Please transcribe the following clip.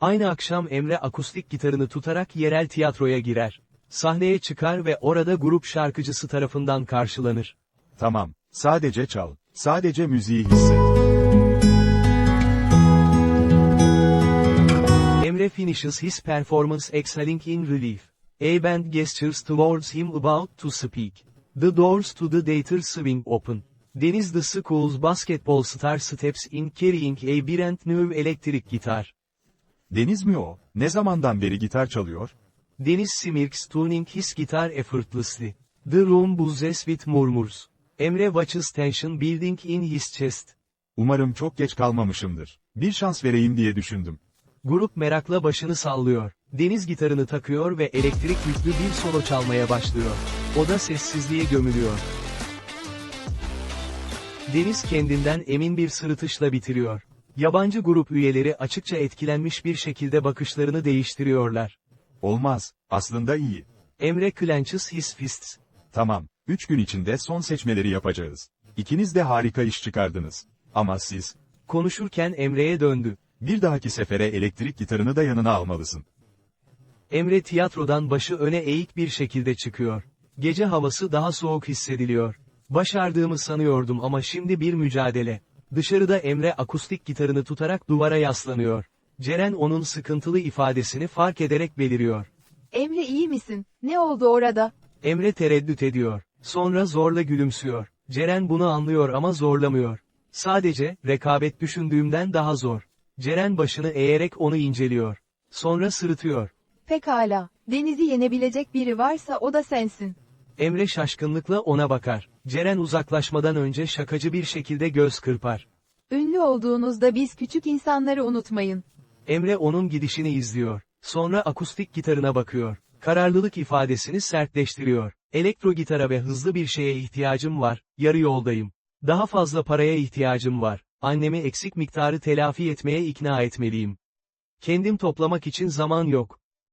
Aynı akşam Emre akustik gitarını tutarak yerel tiyatroya girer. Sahneye çıkar ve orada grup şarkıcısı tarafından karşılanır. Tamam, sadece çal. Sadece müziği hisset. Emre finishes his performance exhaling in relief. A band gestures towards him about to speak. The doors to the theater swing open. Deniz the school's basketball star steps in carrying a brand new electric guitar. Deniz mi o? Ne zamandan beri gitar çalıyor? Deniz smirks tuning his guitar effortlessly. The room buzzes with murmurs. Emre watches tension building in his chest. Umarım çok geç kalmamışımdır. Bir şans vereyim diye düşündüm. Grup merakla başını sallıyor. Deniz gitarını takıyor ve elektrik yüklü bir solo çalmaya başlıyor. Oda sessizliğe gömülüyor. Deniz kendinden emin bir sırıtışla bitiriyor. Yabancı grup üyeleri açıkça etkilenmiş bir şekilde bakışlarını değiştiriyorlar. Olmaz, aslında iyi. Emre clenches his fists. Tamam, 3 gün içinde son seçmeleri yapacağız. İkiniz de harika iş çıkardınız. Ama siz, Konuşurken Emre'ye döndü. bir dahaki sefere elektrik gitarını da yanına almalısın. Emre tiyatrodan başı öne eğik bir şekilde çıkıyor. Gece havası daha soğuk hissediliyor. Başardığımı sanıyordum ama şimdi bir mücadele. Dışarıda Emre akustik gitarını tutarak duvara yaslanıyor. Ceren onun sıkıntılı ifadesini fark ederek beliriyor. Emre iyi misin? Ne oldu orada? Emre tereddüt ediyor. Sonra zorla gülümsüyor. Ceren bunu anlıyor ama zorlamıyor. Sadece, rekabet düşündüğümden daha zor. Ceren başını eğerek onu inceliyor. Sonra sırıtıyor. Pekala. Deniz'i yenebilecek biri varsa o da sensin. Emre şaşkınlıkla ona bakar. Ceren uzaklaşmadan önce şakacı bir şekilde göz kırpar. Ünlü olduğunuzda biz küçük insanları unutmayın. Emre onun gidişini izliyor. Sonra akustik gitarına bakıyor. Kararlılık ifadesini sertleştiriyor. Elektro gitara ve hızlı bir şeye ihtiyacım var, yarı yoldayım. Daha fazla paraya ihtiyacım var. Annemi eksik miktarı telafi etmeye ikna etmeliyim. Kendim toplamak için zaman yok.